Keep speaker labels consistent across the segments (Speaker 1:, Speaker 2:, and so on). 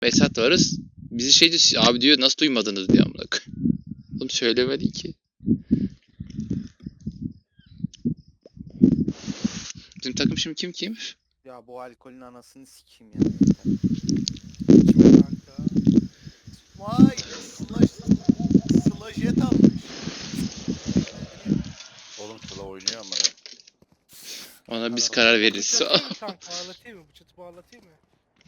Speaker 1: Vesat varız. Bizi şey diyor, abi diyor nasıl duymadınız diyor amına koyayım. Oğlum söylemedi ki. Bizim takım şimdi kim?
Speaker 2: Ya bu alkolün anasını sikeyim ya.
Speaker 3: Kim kanka? Vay slash jet almış.
Speaker 4: Oğlum Sıla oynuyor ama.
Speaker 1: Ona biz karar veririz.
Speaker 3: Bağlatayım mı kanka? Bağlatayım mı? Bıçatı bağlatayım mı?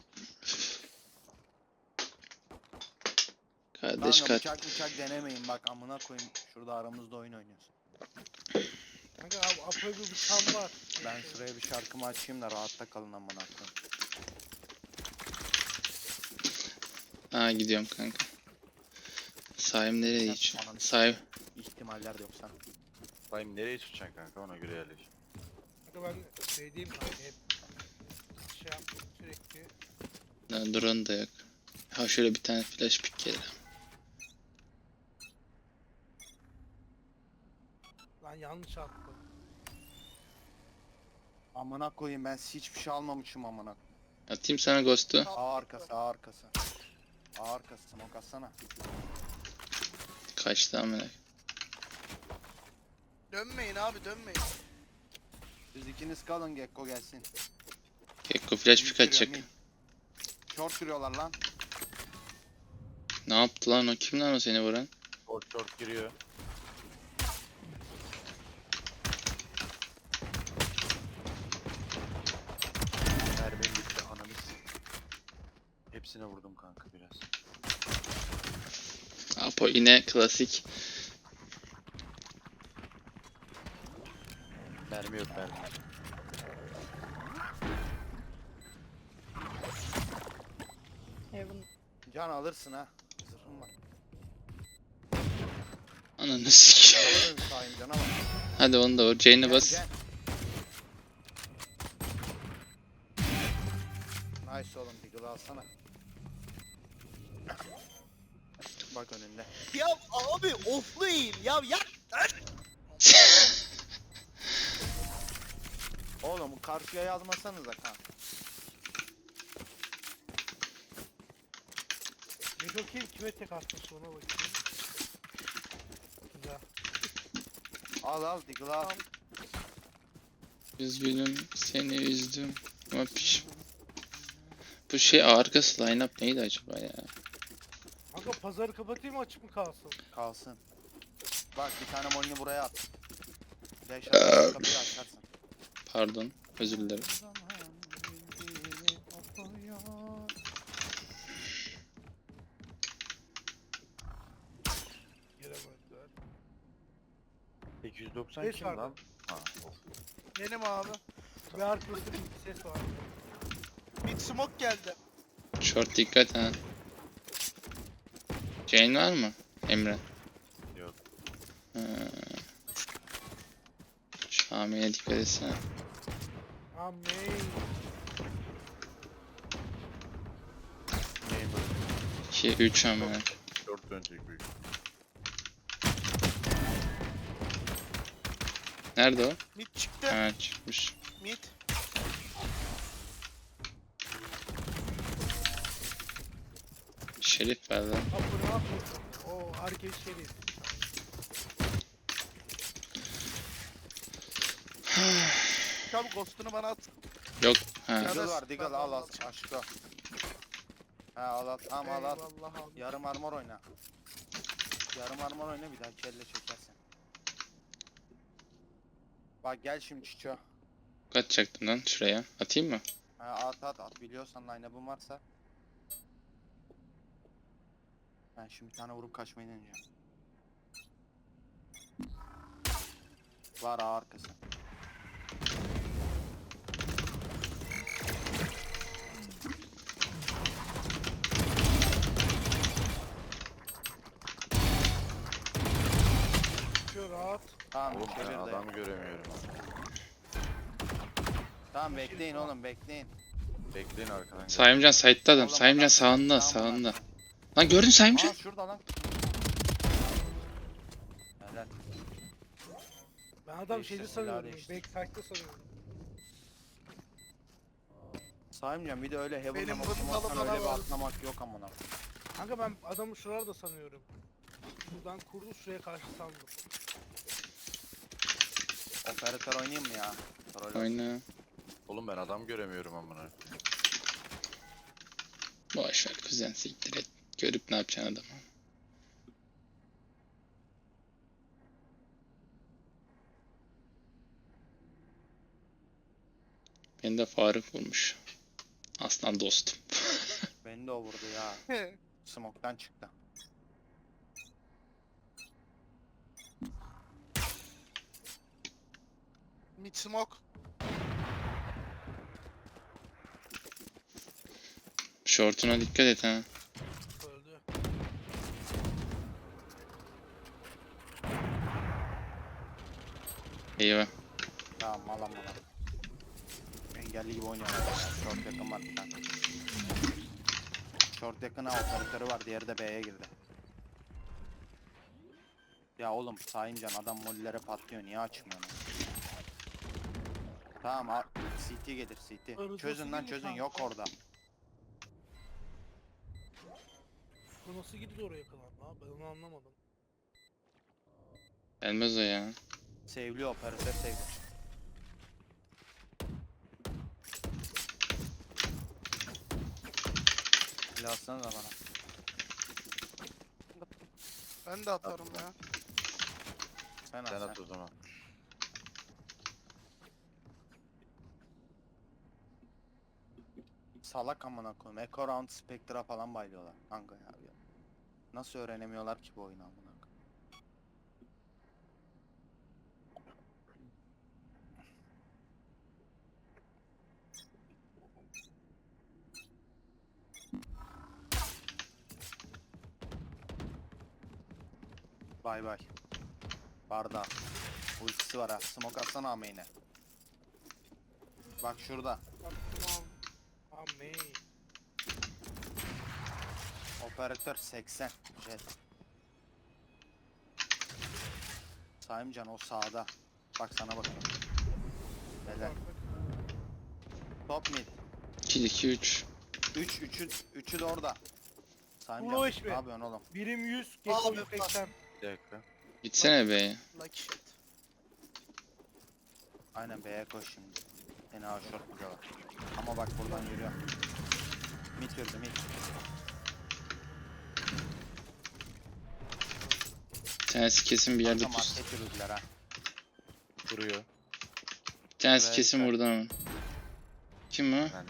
Speaker 1: Kardeş
Speaker 2: Kanka bıçak denemeyin bak amına koyayım. Şurada aramızda oyun oynuyoruz.
Speaker 3: Kanka Apo'ya bir bıçağım var.
Speaker 2: Ben şuraya bir şarkımı açayım da rahatta kalın amına koyayım.
Speaker 1: Ha gidiyorum kanka. Saim nereye geçiyor?
Speaker 2: Ananı
Speaker 1: Saim.
Speaker 2: İhtimaller de yoksa.
Speaker 4: Dayım nereye tutacaksın kanka, ona göre yerleş.
Speaker 3: Kanka ben diyeyim kanka hep şey yaptım sürekli.
Speaker 1: Lan drone da yok. Ha şöyle bir tane flash pick gelir.
Speaker 3: Lan yanlış attım.
Speaker 2: Amına koyayım ben hiçbir şey almamışım amına.
Speaker 1: Atayım sana ghost'u.
Speaker 2: A arkası. A arkası smoke atsana.
Speaker 1: Kaçtı amına.
Speaker 3: Dönmeyin abi dönmeyin.
Speaker 2: Siz ikiniz kalın Gekko gelsin.
Speaker 1: Gekko flash pick atacak.
Speaker 2: Short sürüyorlar lan.
Speaker 1: Ne yaptı lan o? Kim lan o seni vuran?
Speaker 4: Short giriyor. Mermim bitti ananı hepsine vurdum kanka biraz.
Speaker 1: Apo yine klasik.
Speaker 4: Mermi yok mermi.
Speaker 3: Heaven.
Speaker 2: Can alırsın ha. Zırhım var.
Speaker 1: Ananı sikeyim.
Speaker 2: Alırım sahim cana bak.
Speaker 1: Hadi onu da vur. Jane'e bas.
Speaker 2: Gel. Nice oğlum Deagle'ı alsana. Bak önünde.
Speaker 3: Ya abi offlayın ya.
Speaker 2: Oğlum karşıya yazmasanıza kanka.
Speaker 3: Bir bakayım kime tek atmış ona bakayım. Güzel.
Speaker 2: Al Deagle'ı al.
Speaker 1: Üzgünüm seni üzdüm. Ama bu şey arkası line-up neydi acaba ya?
Speaker 3: Kanka pazarı kapatayım mı açık mı kalsın?
Speaker 2: Kalsın. Bak bir tane molini buraya at. Beş at kapıyı açarsın.
Speaker 1: Pardon. Özür dilerim.
Speaker 3: Giremediler.
Speaker 4: 890
Speaker 3: Beş
Speaker 4: kim
Speaker 3: vardı.
Speaker 4: lan? Ha.
Speaker 3: Benim abi. Ve arkasında bir ses var. Mid smoke geldi.
Speaker 1: Short dikkat ha. Jane var mı? Emre.
Speaker 4: Yok.
Speaker 1: Şami'ye dikkat etsene.
Speaker 3: Amin.
Speaker 4: Neyim böyle?
Speaker 1: 2, 3 amına.
Speaker 4: Short dönecek büyük.
Speaker 1: Nerede o?
Speaker 3: Mid çıktı.
Speaker 1: Ha çıkmış.
Speaker 3: Mid.
Speaker 1: Şerif ver lan.
Speaker 3: Apo ne yapıyorsun? O herkes şerif. Çabuk ghost'unu bana at.
Speaker 1: Yok. Ha.
Speaker 3: Ya
Speaker 2: Deagle
Speaker 3: da
Speaker 2: var Deagle al aşkı. Ha al tamam al.
Speaker 3: Eyvallah abi.
Speaker 2: Yarım armor oyna. Yarım armor oyna bir daha kelle çekersen. Bak gel şimdi Çiço.
Speaker 1: Atacaktım lan şuraya. Atayım mı?
Speaker 2: Ha, at biliyorsan line-up'ın varsa. Ben şimdi bir tane vurup kaçmayı deneyeceğim. Var A arkası.
Speaker 3: Şu rahat.
Speaker 2: Tamam
Speaker 4: Oğlum ben
Speaker 2: çevir de.
Speaker 4: adamı göremiyorum.
Speaker 2: Tamam bekleyin oğlum bekleyin.
Speaker 4: Bekleyin arkadan. gel.
Speaker 1: Saimcan side'da adam.
Speaker 2: Oğlum,
Speaker 1: Saimcan
Speaker 2: adam-
Speaker 1: sağında
Speaker 2: Tamam,
Speaker 1: sağında.
Speaker 2: bak.
Speaker 1: Lan gördün Saimcan?
Speaker 2: Aa şurada lan. Helal.
Speaker 3: Ben adam
Speaker 2: Değiştir
Speaker 3: şeyde
Speaker 2: silahı
Speaker 3: sanıyorum.
Speaker 2: değiştir.
Speaker 3: Backside'da sanıyorum.
Speaker 2: Saymıyorum bir de öyle
Speaker 3: Benim
Speaker 2: Heaven'dan
Speaker 3: bundalı
Speaker 2: otomattan
Speaker 3: bana
Speaker 2: öyle bir
Speaker 3: var.
Speaker 2: atlamak yok amına.
Speaker 3: Kanka ben adamı şuralarda sanıyorum. Buradan kurdu şuraya karşı sandım.
Speaker 2: Operatör oynayayım mı ya? Troll olsun.
Speaker 1: Oyna.
Speaker 4: Oğlum ben adam göremiyorum amına.
Speaker 1: Boş ver kuzen, siktir et. Görüp ne yapacaksın adamı. Beni de Faruk vurmuş. Aslan dostum.
Speaker 2: Beni de o vurdu ya. Smoke'tan çıktı.
Speaker 3: Mid smoke.
Speaker 1: Şortuna dikkat et ha.
Speaker 3: Öldü.
Speaker 1: Eyvah.
Speaker 2: Tamam malam. Engelli gibi oynuyorlar. Short yakın var bir tane. Short yakına operatörü var. Diğeri de B'ye girdi. Ya oğlum sayıncan adam mollere patlıyor. Niye açmıyorsun? Tamam al. CT gelir CT.
Speaker 3: Arızası
Speaker 2: Çözün lan
Speaker 3: gibi
Speaker 2: çözün
Speaker 3: kanka.
Speaker 2: yok orada.
Speaker 3: Bu nasıl gidiyor oraya kadar lan? Ben onu anlamadım.
Speaker 1: Gelmez o ya.
Speaker 2: Sevli operatör sevli. Silahsana da bana.
Speaker 3: Ben de atarım ya.
Speaker 2: Sen
Speaker 4: Sen
Speaker 2: at
Speaker 4: at o zaman.
Speaker 2: Salak amına koyayım. Echo Round Spectra falan bayılıyorlar. Kanka ya. Nasıl öğrenemiyorlar ki bu oyunu amına koyayım? Bay bay. Barda. Ultisi var ha. Smoke atsana ameyne. Bak şurada.
Speaker 3: Baktım abi. Amey.
Speaker 2: Operatör 80. Jet. Saimcan o sağda. Bak sana bakıyorum. Helal. Top mid.
Speaker 1: 2 2 3.
Speaker 2: 3'ü de orada. Saimcan
Speaker 3: Ulo
Speaker 2: ne
Speaker 3: iş mi?
Speaker 2: yapıyorsun oğlum?
Speaker 3: Birim 100, Gekko
Speaker 5: Abi,
Speaker 3: 180.
Speaker 4: Bir dakika.
Speaker 1: Gitsene be.
Speaker 5: Lucky shot.
Speaker 2: Aynen B'ye koş şimdi. Seni ha short buluyorlar. Ama bak buradan yürüyor. Mid yürüdü mid.
Speaker 1: Bir tanesi kesin bir yerde
Speaker 2: Kanka
Speaker 1: pus.
Speaker 2: market yürüdüler ha.
Speaker 4: Duruyor.
Speaker 1: Bir tanesi
Speaker 2: Buraya
Speaker 1: kesin
Speaker 2: dikkat.
Speaker 1: burada ama. Kim o?
Speaker 4: Ben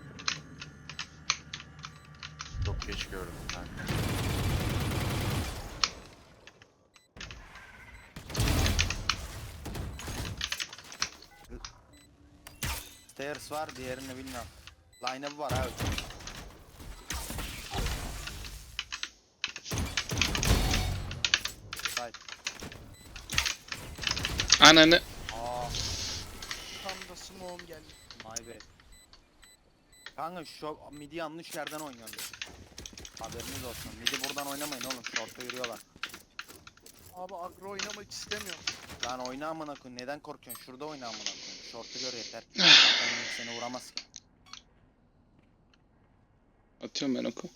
Speaker 4: çok geç gördüm kanka.
Speaker 2: Stairs var diğerini bilmiyorum. Line-up'ı var abi. Side.
Speaker 1: Ananı.
Speaker 2: Aa,
Speaker 5: Tam da smoke'um geldi.
Speaker 2: my bad. Kanka şu midi yanlış yerden oynuyorsun. Haberiniz olsun. Midi buradan oynamayın oğlum. Short'a yürüyorlar.
Speaker 5: Abi agro oynamak istemiyorum.
Speaker 2: Lan oyna amına koyayım. Neden korkuyorsun? Şurada oyna amına koyayım. Short'u gör yeter. Zaten seni vuramaz ki.
Speaker 1: Atıyorum ben oku.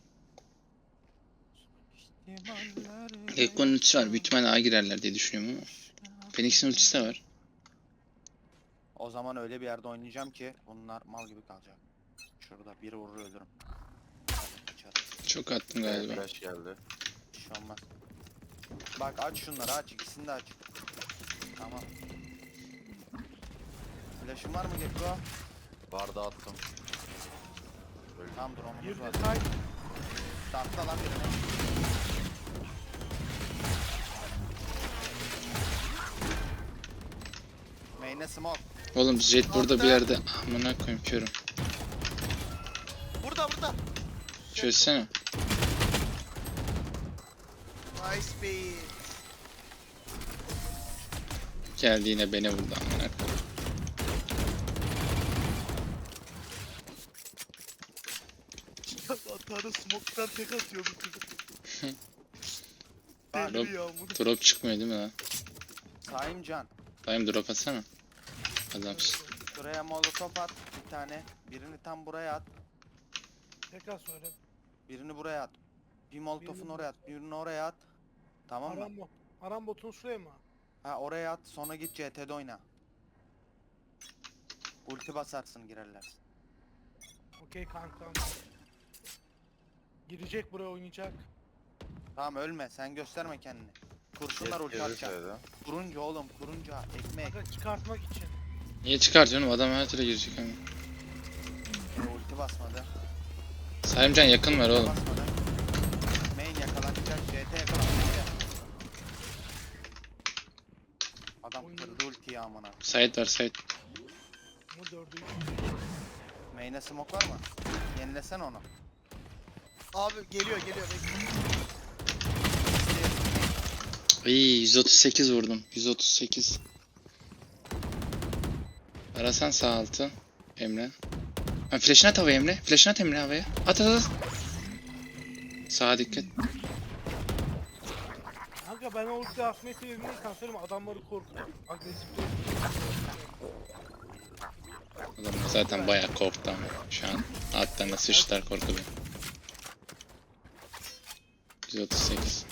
Speaker 1: Gekko'nun ultisi var. Büyük ihtimalle A girerler diye düşünüyorum ama. Phoenix'in ultisi de var.
Speaker 2: O zaman öyle bir yerde oynayacağım ki bunlar mal gibi kalacak. Şurada biri vurur ölürüm. Kaçarım.
Speaker 1: Çok attım galiba.
Speaker 4: Flash geldi.
Speaker 2: Bir şey olmaz. Bak aç şunları aç. İkisini de aç. Tamam. Flash'ın var mı Gekko?
Speaker 4: Barda attım. Öldü.
Speaker 2: Tamam drone'umuz
Speaker 3: Girdi
Speaker 2: var.
Speaker 3: side.
Speaker 2: Startla lan birine. Main'e smoke.
Speaker 1: Oğlum Jet burada bir yerde. Amına koyayım körüm.
Speaker 5: Burada.
Speaker 1: Çözsene.
Speaker 5: Nice beat.
Speaker 1: Geldi yine beni vurdu amına koyayım.
Speaker 5: Atarı smoke'tan tek atıyor bu çocuk.
Speaker 2: Bak,
Speaker 5: Deli ya bunu.
Speaker 1: Drop çıkmıyor değil mi lan?
Speaker 2: Saimcan.
Speaker 1: Dayım drop atsana. Adamsın.
Speaker 2: Dur Şuraya molotof at bir tane. Birini tam buraya at.
Speaker 3: Tekrar söyle.
Speaker 2: Birini buraya at. Bir molotofun
Speaker 3: Birini
Speaker 2: oraya at. Birini oraya at. Tamam mı?
Speaker 3: Arambot. Arambot'un şuraya mı?
Speaker 2: Ha oraya at. Sonra git CT'de oyna. Ulti basarsın girerler.
Speaker 3: Okey kankam. Girecek buraya oynayacak.
Speaker 2: Tamam ölme. Sen gösterme kendini. Kurşunlar ulti atacak.
Speaker 4: Gelirse
Speaker 2: Kurunca oğlum kurunca. Ekmek.
Speaker 3: Kanka çıkartmak için.
Speaker 1: Niye çıkartıyorsun? Adam her türlü girecek ama.
Speaker 2: Ulti basmadı.
Speaker 1: Salimcan yakın var
Speaker 2: Ulti
Speaker 1: oğlum.
Speaker 2: basmadı. Main yakalanacak. CT yakalanacak. Adam
Speaker 3: Oyun-
Speaker 2: kırdı ultiyi amına.
Speaker 1: Sait var Sait.
Speaker 3: Ama 4'ü 3.
Speaker 2: Main'e smoke var mı? Yenilesen onu.
Speaker 5: Abi geliyor bekle.
Speaker 1: İyi 138 vurdum. 138. Arasan sağ altı. Emre. Ha, flash'ını at havaya Emre. Flash'ını at Emre havaya. At at at. Sağa dikkat.
Speaker 3: Kanka ben o ulti atmayı sebebini kan söyleyeyim adamları korkutup agresif
Speaker 1: Adamlar zaten bayağı korktu ama şu an altlarına sıçtılar korkudan. 138.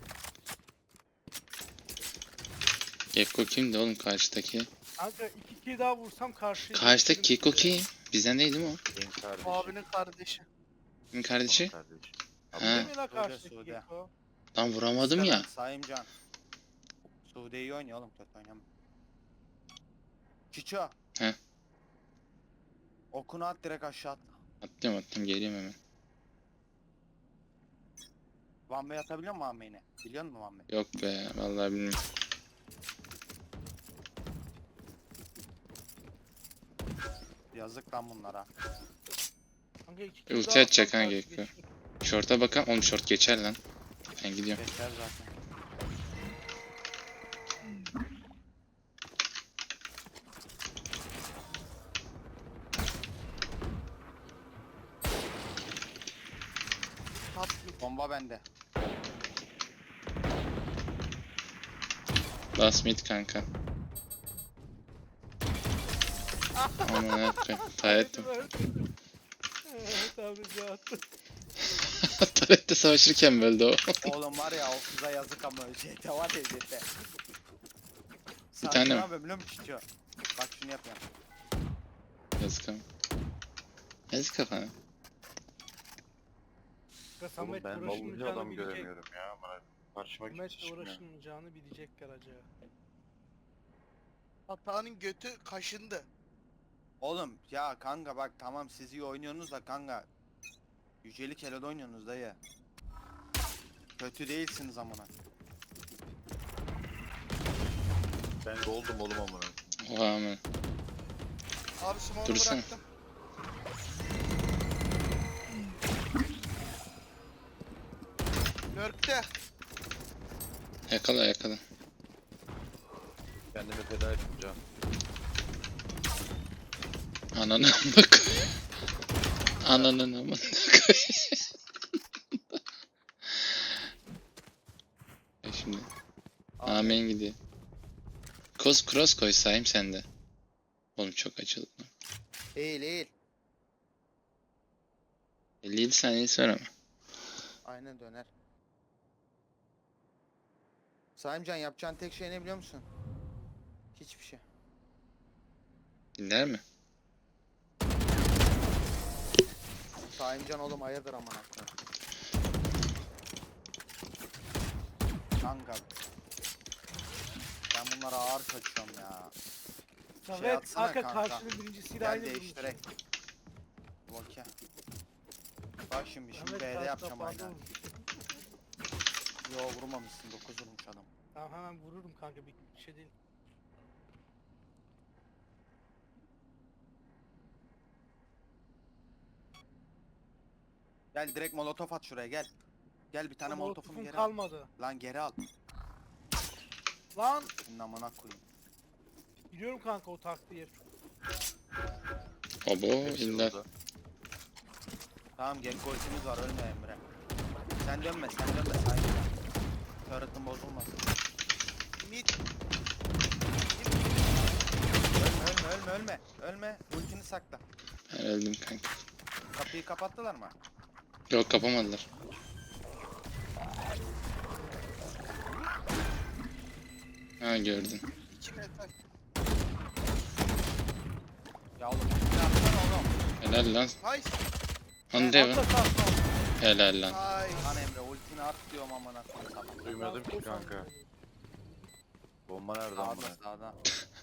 Speaker 1: Gekko kimdi oğlum karşıdaki?
Speaker 3: Kanka 2 kill daha vursam karşıya.
Speaker 1: Karşıdaki Gekko kim? Bizden değil mi o?
Speaker 4: benim kardeşim.
Speaker 5: Abinin kardeşi.
Speaker 1: Kimin kardeşi?
Speaker 4: Kardeşim.
Speaker 1: Ha.
Speaker 3: Değil mi lan karşıdaki
Speaker 2: Sude.
Speaker 3: Gekko?
Speaker 1: Lan vuramadım ya.
Speaker 2: Saimcan. Sude iyi oynuyor oğlum kötü oynamıyor. Çiço.
Speaker 1: He.
Speaker 2: Okunu at direkt aşağı atla.
Speaker 1: Attım geliyorum hemen.
Speaker 2: One way atabiliyor musun one way'ine? Biliyor musun one way?
Speaker 1: Yok be vallahi bilmiyorum.
Speaker 2: Yazık lan bunlara.
Speaker 3: Kanka 2 kill
Speaker 1: Ulti
Speaker 3: daha
Speaker 1: atacak
Speaker 3: atsam
Speaker 1: ha
Speaker 3: karşı
Speaker 1: Gekko.
Speaker 3: geçiyor.
Speaker 1: Short'a bakalım. Oğlum short geçer lan. Ben gidiyorum.
Speaker 2: Geçer zaten.
Speaker 5: Top
Speaker 2: Bomba bende.
Speaker 1: Last mid kanka. Aman akıyım. Tarettim.
Speaker 3: Tabii attı.
Speaker 1: Tarette savaşırken böldü o.
Speaker 2: Oğlum var ya o kıza yazık ama JT var ya JT.
Speaker 1: Bir tane mi?
Speaker 2: Ne yapayım biliyor musun Çiço? Bak şunu yapıyorum.
Speaker 1: Yazık ama. Yazık kafana.
Speaker 3: Kanka
Speaker 4: Oğlum
Speaker 3: Samet
Speaker 4: ben vallahi
Speaker 3: uğraşılmayacağını
Speaker 4: adam
Speaker 3: bilecek.
Speaker 4: göremiyorum ya. Bana karşıma
Speaker 3: Samet
Speaker 4: kimse çıkmıyor.
Speaker 3: uğraşılmayacağını bilecekler acaba.
Speaker 5: Hatanın götü kaşındı.
Speaker 2: Oğlum ya kanka bak tamam siz iyi oynuyorsunuz da kanka. Yücelik Helal oynuyorsunuz dayı. Kötü değilsiniz amına.
Speaker 4: Ben goldum oğlum amına.
Speaker 1: Oha aman.
Speaker 5: Abi smoke'u
Speaker 1: Dursana.
Speaker 5: bıraktım. Lurk'te.
Speaker 1: Yakala yakala.
Speaker 4: Kendimi feda ettim can.
Speaker 1: Ananı amına koy. Ananın amına koy. Şimdi. Amen gidiyor. Cross koy sayayım sende. Oğlum çok acılı.
Speaker 2: Eğil eğil.
Speaker 1: 57 saniyesi var ama.
Speaker 2: Aynen döner. Saimcan yapacağın tek şey ne biliyor musun? Hiçbir şey.
Speaker 1: Dinler mi?
Speaker 2: Saimcan oğlum hayırdır aman aklı. Kanka. Ben bunlara ağır kaçıyorum ya.
Speaker 3: Samet
Speaker 2: atsana
Speaker 3: kanka
Speaker 2: kanka.
Speaker 3: karşının birincisiyle
Speaker 2: Gel
Speaker 3: aynı vurmuş.
Speaker 2: değiştirek. Okey. Bak şimdi
Speaker 3: Samet
Speaker 2: B'de
Speaker 3: karşıda
Speaker 2: yapacağım
Speaker 3: fazla
Speaker 2: aynen.
Speaker 3: vurmuş.
Speaker 2: Yo vurmamışsın 9 vurmuş adam.
Speaker 3: Tamam hemen vururum kanka bir şey değil.
Speaker 2: Gel direkt molotof at şuraya gel. Gel bir tane molotofunu
Speaker 3: Molotofum
Speaker 2: geri al.
Speaker 3: kalmadı.
Speaker 2: Lan geri al.
Speaker 3: Lan
Speaker 2: Senin amına koyayım.
Speaker 3: biliyorum kanka o taktiği yer.
Speaker 1: Obo
Speaker 4: Hepsi
Speaker 1: illa.
Speaker 4: orada.
Speaker 2: Tamam Gekko ultimiz var ölme Emre. Sen dönme sahibi. Turret'ın bozulmasın.
Speaker 5: Mid.
Speaker 2: Ölme Ölme. Ölme. Ultini sakla.
Speaker 1: Ben öldüm kanka.
Speaker 2: Kapıyı kapattılar mı?
Speaker 1: Yok kapamadılar. Ha gördün.
Speaker 5: 2 metre.
Speaker 2: Ya oğlum. Ne yaptın oğlum?
Speaker 1: Helal lan.
Speaker 5: Nice.
Speaker 1: Hande
Speaker 3: Atla
Speaker 1: mi?
Speaker 3: sağ.
Speaker 1: Helal lan.
Speaker 5: Nice.
Speaker 2: Lan Emre ultini at diyorum amına koyayım.
Speaker 4: Duymadım ki kanka. Bomba nereden
Speaker 2: Sağda
Speaker 4: buna?
Speaker 2: sağda.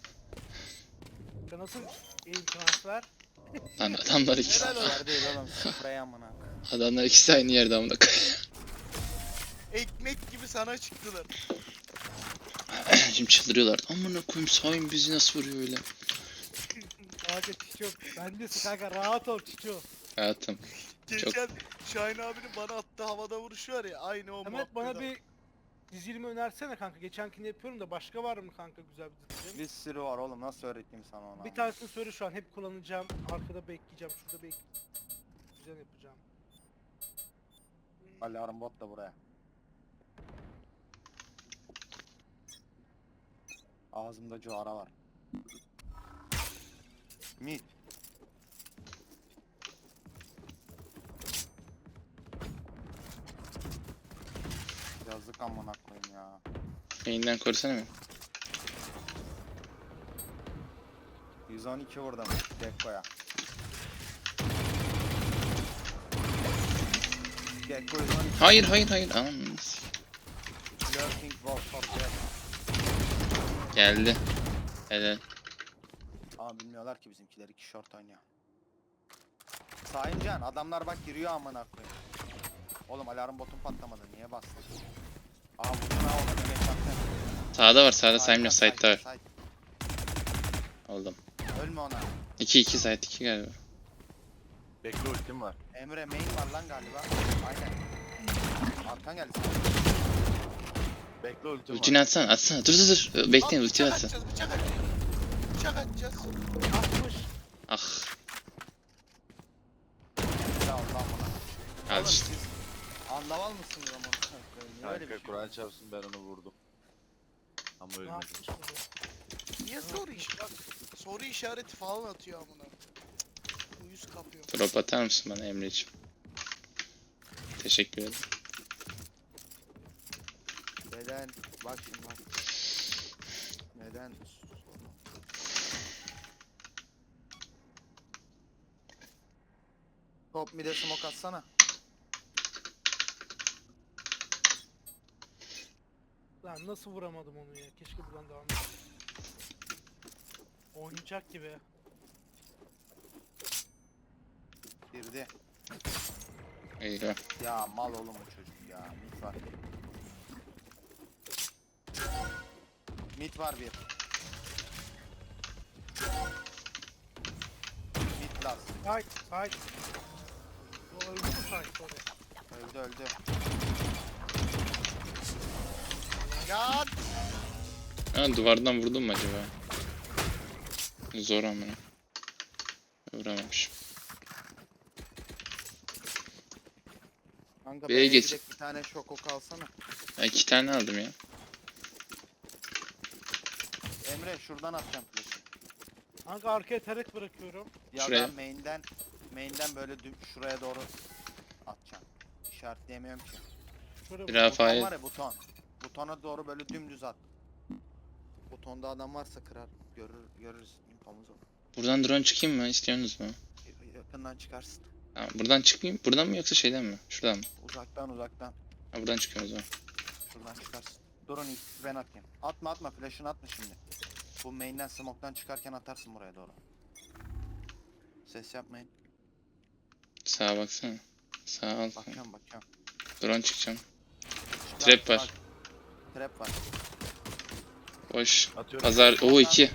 Speaker 3: Nasıl eğim transfer?
Speaker 1: Lan adamlar ikisi.
Speaker 5: Helal olsun.
Speaker 2: Yer değil oğlum. Sprey amına.
Speaker 1: Adamlar ikisi aynı yerde amına koyayım.
Speaker 5: Ekmek gibi sana çıktılar.
Speaker 1: Şimdi çıldırıyorlar. Amına koyayım Sayın bizi nasıl vuruyor öyle?
Speaker 3: Kanka Çiço. Bendesin kanka rahat ol Çiço.
Speaker 1: Hayatım.
Speaker 5: Geçen Şahin abinin bana attığı havada vuruşu var ya aynı o
Speaker 3: Mehmet bana
Speaker 5: muhabbet.
Speaker 3: bir dizilimi önersene kanka. Geçenkini yapıyorum da başka var mı kanka güzel bir dizilim?
Speaker 2: Bir sürü var oğlum. Nasıl öğreteyim sana onu?
Speaker 3: Bir tanesini söyle şu an hep kullanacağım. Arkada bekleyeceğim. Şurada güzel yapacağım.
Speaker 2: Alarm bot da buraya. Ağzımda cuara var. Mid. Yazık amına koyayım ya.
Speaker 1: Yayından korusana mı?
Speaker 2: 112 vurdum Gekko'ya. Gekko 112.
Speaker 1: Hayır. Aman.
Speaker 2: Lurking Wolf for Jet.
Speaker 1: Geldi. Helal.
Speaker 2: Ama bilmiyorlar ki bizimkiler 2 short oynuyor. Sayıncan adamlar bak giriyor amına koyayım. Oğlum alarm botun patlamadı niye bastın? Aa vurdun ha ona geç baktın.
Speaker 1: Sağda var sağda saymıyor
Speaker 2: Side,
Speaker 1: side'da var.
Speaker 2: side.
Speaker 1: Oldum.
Speaker 2: Ölme ona.
Speaker 1: 2 side 2 galiba.
Speaker 4: Bekle ultim var.
Speaker 2: Emre main var lan galiba. Aynen. Arkan geldi sana.
Speaker 4: Bekle ultim var.
Speaker 1: Ultini atsana. Dur. Bekleyin ulti
Speaker 5: Bıçak
Speaker 1: atsın.
Speaker 5: atacağız, bıçak atacağız. Bıçak atacağız.
Speaker 3: 60.
Speaker 1: Ah.
Speaker 2: Ya Allah bana.
Speaker 1: Al işte.
Speaker 2: Anlaval mısınız amına koyayım? Niye öyle bir
Speaker 4: Kanka
Speaker 2: şey?
Speaker 4: Kur'an çarpsın ben onu vurdum. Ama
Speaker 3: Ne
Speaker 4: ölmedi.
Speaker 3: yapmış bu?
Speaker 5: Niye soru soru işareti falan atıyor amına. Cık, Uyuz kapıyor.
Speaker 1: Drop atar mısın bana Emre'ciğim? Teşekkür ederim.
Speaker 2: Neden? Bak şimdi bak. Neden? Top mid'e smoke atsana.
Speaker 3: Lan nasıl vuramadım onu ya? Keşke buradan devam etseydim. Oynayacak gibi.
Speaker 2: Girdi.
Speaker 1: Eyvah.
Speaker 2: Ya mal oğlum bu çocuk ya. Mid var. Mid var bir. Mid last.
Speaker 3: Side. O öldü mü side? Sorry.
Speaker 2: Öldü.
Speaker 5: Ya
Speaker 1: Ha duvardan vurdum mu acaba? Zor amına. Vuramamışım.
Speaker 2: Kanka
Speaker 1: B'ye
Speaker 2: B'ye
Speaker 1: geç.
Speaker 2: gidecek bir tane şoko kalsana.
Speaker 1: Ben 2 tane aldım ya.
Speaker 2: Emre şuradan atacağım flash'ı.
Speaker 3: Kanka arkaya taret bırakıyorum.
Speaker 2: Ya
Speaker 1: Şuraya.
Speaker 2: da main'den böyle şuraya doğru atacağım. İşaretleyemiyorum ki.
Speaker 3: Şöyle
Speaker 1: Bir
Speaker 3: bak-
Speaker 1: Rafa-
Speaker 2: Buton
Speaker 1: Rafael.
Speaker 2: var ya buton. Butona doğru böyle dümdüz at. Butonda adam varsa kırar. Görürüz infomuzu.
Speaker 1: Buradan drone çıkayım mı? İstiyorsunuz mu?
Speaker 2: Yakından çıkarsın.
Speaker 1: Ha, buradan çıkmayayım. Buradan mı yoksa şeyden mi? Şuradan mı?
Speaker 2: Uzaktan.
Speaker 1: Ha, buradan çıkıyorum o zaman.
Speaker 2: Şuradan çıkarsın. Durun ilk ben atayım. Atma flash'ını atma şimdi. Bu main'den smoke'tan çıkarken atarsın buraya doğru. Ses yapmayın.
Speaker 1: Sağa baksana. Sağa al.
Speaker 2: Bakıyorum.
Speaker 1: Drone çıkacağım.
Speaker 2: Çıkar,
Speaker 1: Trap var.
Speaker 2: bak. Trap var.
Speaker 1: Boş.
Speaker 4: Atıyorum.
Speaker 1: Pazar. O 2.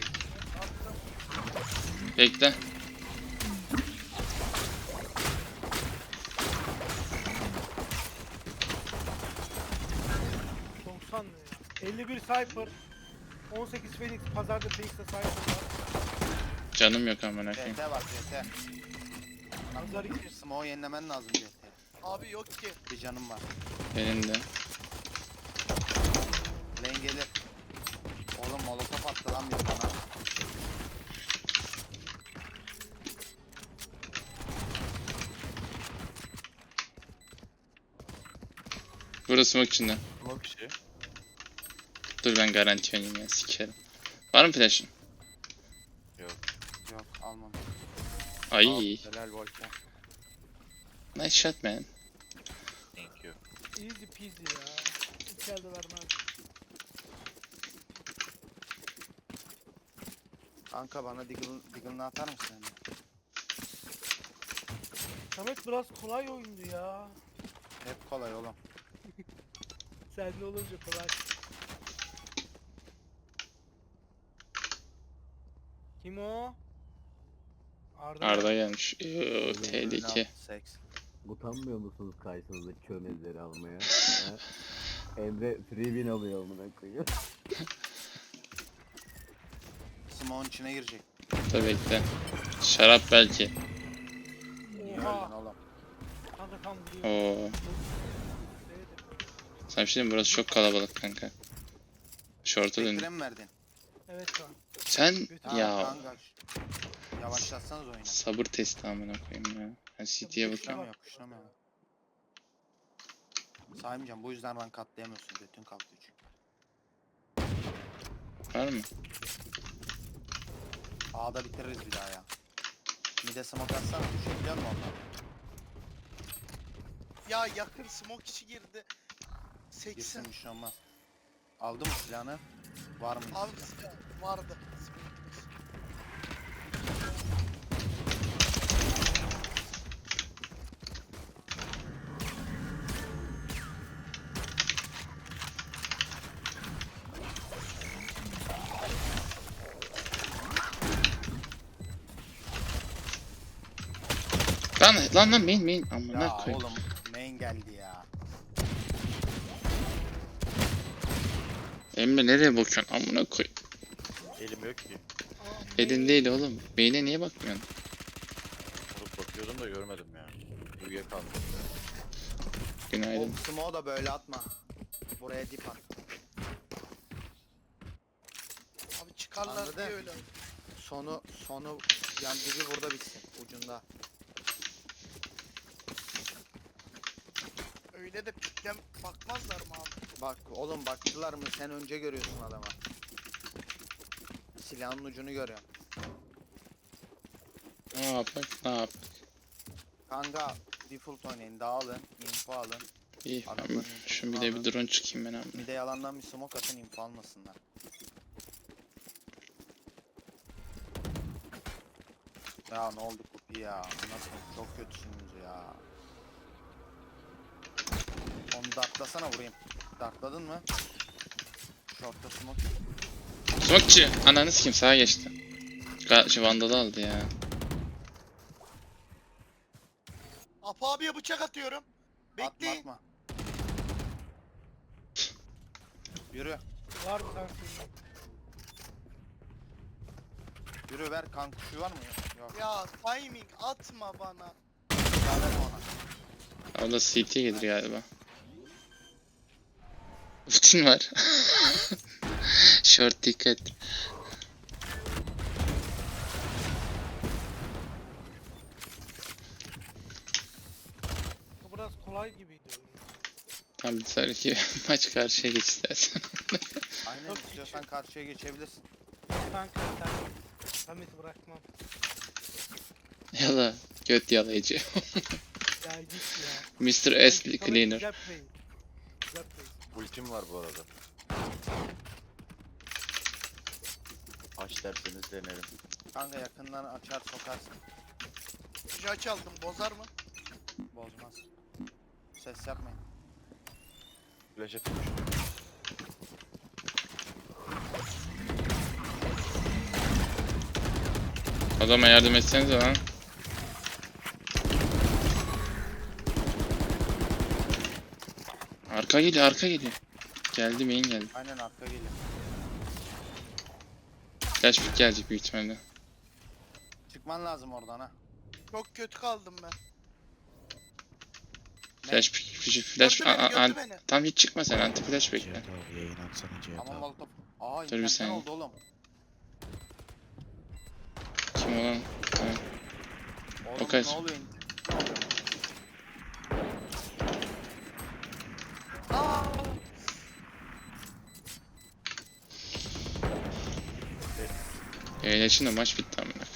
Speaker 1: Bekle.
Speaker 3: ...90 ne ya? 51 Cypher. 18 Phoenix. Pazarda Phoenix'te Cypher var.
Speaker 1: Canım yok amına koyayım.
Speaker 2: CT var CT.
Speaker 3: Pazar 2.
Speaker 2: Smoke'u yenilemen lazım CT.
Speaker 5: abi yok ki.
Speaker 2: Bir canım var.
Speaker 1: Benim de.
Speaker 2: Lane gelir. Oğlum molotof attı lan bir bana.
Speaker 1: Burada smoke içinde.
Speaker 4: Smoke kişi.
Speaker 1: Dur ben garanti oynayayım ya sikerim. Var mı flash'ın?
Speaker 2: Yok almadım.
Speaker 1: Ay.
Speaker 2: Helal Volkan.
Speaker 1: Nice shot man.
Speaker 4: Thank you.
Speaker 3: Easy peasy ya. İçeride vermez.
Speaker 2: Kanka bana Deagle'ını atar mısın?
Speaker 3: Samet biraz kolay oyundu ya.
Speaker 2: Hep kolay oğlum.
Speaker 3: Sende olunca kolay. Kim o?
Speaker 1: Arda gelmiş. Tehlike.
Speaker 2: Seks.
Speaker 6: Utanmıyor musunuz karşınızdaki çömezleri almaya? Ha? Emre free win alıyor amına koyuyor.
Speaker 2: Smoke'un içine girecek.
Speaker 1: Dur bekle. Şarap belki.
Speaker 2: Niye öldün
Speaker 3: Oha.
Speaker 2: oğlum?
Speaker 3: Kanka tam vuruyor.
Speaker 1: Oo. Sen bir şey diyeyim mi? Burası çok kalabalık kanka. Short'a döndüm.
Speaker 2: Bekire mi verdin?
Speaker 3: Evet kanka.
Speaker 1: Sen
Speaker 2: Ha,
Speaker 1: ya
Speaker 2: Kanka. Yavaşlatsanız oyunu.
Speaker 1: sabır testi amına koyayım ya. Ben CT'ye bakıyorum.
Speaker 2: Kuşlamıyor kuşlamıyor. Saymayacağım bu yüzden rank atlayamıyorsun. Götün kalktı çünkü.
Speaker 1: Var mı?
Speaker 2: A'da bitiririz bir daha ya. Mide smoke atsana düşebiliyor musun ondan?
Speaker 5: Ya yakın smoke içi girdi. 80.
Speaker 2: Girsin bir şey olmaz. Aldı mı silahını? Var mı?
Speaker 5: Abi
Speaker 2: silah?
Speaker 5: vardı.
Speaker 1: Lan main amına
Speaker 2: Ya
Speaker 1: koyayım.
Speaker 2: oğlum main geldi ya.
Speaker 1: Emre nereye bakıyorsun amına koy.
Speaker 4: Elim yok ki.
Speaker 1: Elin değil oğlum. Main'e niye bakmıyorsun?
Speaker 4: Vurup bakıyordum da görmedim ya. Uyuyakaldım.
Speaker 1: Günaydın.
Speaker 2: O smoke da böyle atma. Buraya dip at.
Speaker 5: Abi çıkarlar
Speaker 2: Anladın?
Speaker 5: diye öyle.
Speaker 2: Sonu yan dibi burada bitsin ucunda.
Speaker 5: Öyle de piklem bakmazlar mı abi?
Speaker 2: Bak oğlum baktılar mı sen önce görüyorsun adama. Silahın ucunu görüyorsun.
Speaker 1: Ne yapak? Ne yapak?
Speaker 2: Kanka default oynayın dağılın info alın.
Speaker 1: İyi ben
Speaker 2: Adamların
Speaker 1: şu bir de bir drone çıkayım ben amına.
Speaker 2: Mide yalandan bir smoke atın info almasınlar. Ya ne oldu Kupi ya? Nasıl çok kötüsünüz ya. Onu dartlasana vurayım. Dartladın mı? Short'ta smoke yok.
Speaker 1: Smokeçi! Ananı sikeyim sağa geçti. Vandalı aldı ya.
Speaker 5: Apo abiye bıçak atıyorum.
Speaker 2: Atma
Speaker 5: Bekleyin.
Speaker 2: atma. Yürü.
Speaker 3: Var mı kanka?
Speaker 2: Yürü ver kan kuşu var mı? Yok.
Speaker 5: Ya timing atma bana.
Speaker 2: Ya verme ona.
Speaker 1: O da CT gelir galiba. Ultin var. Short dikkat.
Speaker 3: Bu biraz kolay gibiydi oyun.
Speaker 1: Tam bir sonraki maç karşıya geç istersen.
Speaker 2: Aynen
Speaker 3: Yok,
Speaker 2: istiyorsan karşıya geçebilirsin.
Speaker 3: Kanka sen Samet'i bırakmam.
Speaker 1: Yala. Göt yalayıcı.
Speaker 3: Ya git ya.
Speaker 1: Mr.
Speaker 3: Samet
Speaker 1: S Cleaner.
Speaker 3: Güzel play. Güzel play.
Speaker 4: Ultim var bu arada. Aç derseniz denerim.
Speaker 2: Kanka yakından açar sokarsın.
Speaker 5: Jaç aldım bozar mı?
Speaker 2: Bozmaz. Ses yapmayın.
Speaker 4: Flash atmış.
Speaker 1: Adama yardım etsenize lan. Arka geliyor, arka geliyor. Geldi, main geldi.
Speaker 2: Aynen arka geliyor.
Speaker 1: Flash pick gelecek büyük ihtimalle.
Speaker 2: Çıkman lazım oradan ha.
Speaker 5: Çok kötü kaldım ben.
Speaker 1: Flash pick, flash,
Speaker 5: Gördü beni, gördü beni.
Speaker 1: tam hiç çıkma sen, anti flash bekle.
Speaker 7: Cihat abi yayın açsana Cihat
Speaker 2: Ama
Speaker 7: abi.
Speaker 2: molotof. Aa
Speaker 1: Dur bir
Speaker 2: internetten
Speaker 1: saniye.
Speaker 2: oldu oğlum.
Speaker 1: Kim olan? Ha.
Speaker 2: Oğlum
Speaker 1: O kaç?
Speaker 2: ne oluyor?
Speaker 5: Ne
Speaker 1: Eğleşin de maç bitti amına.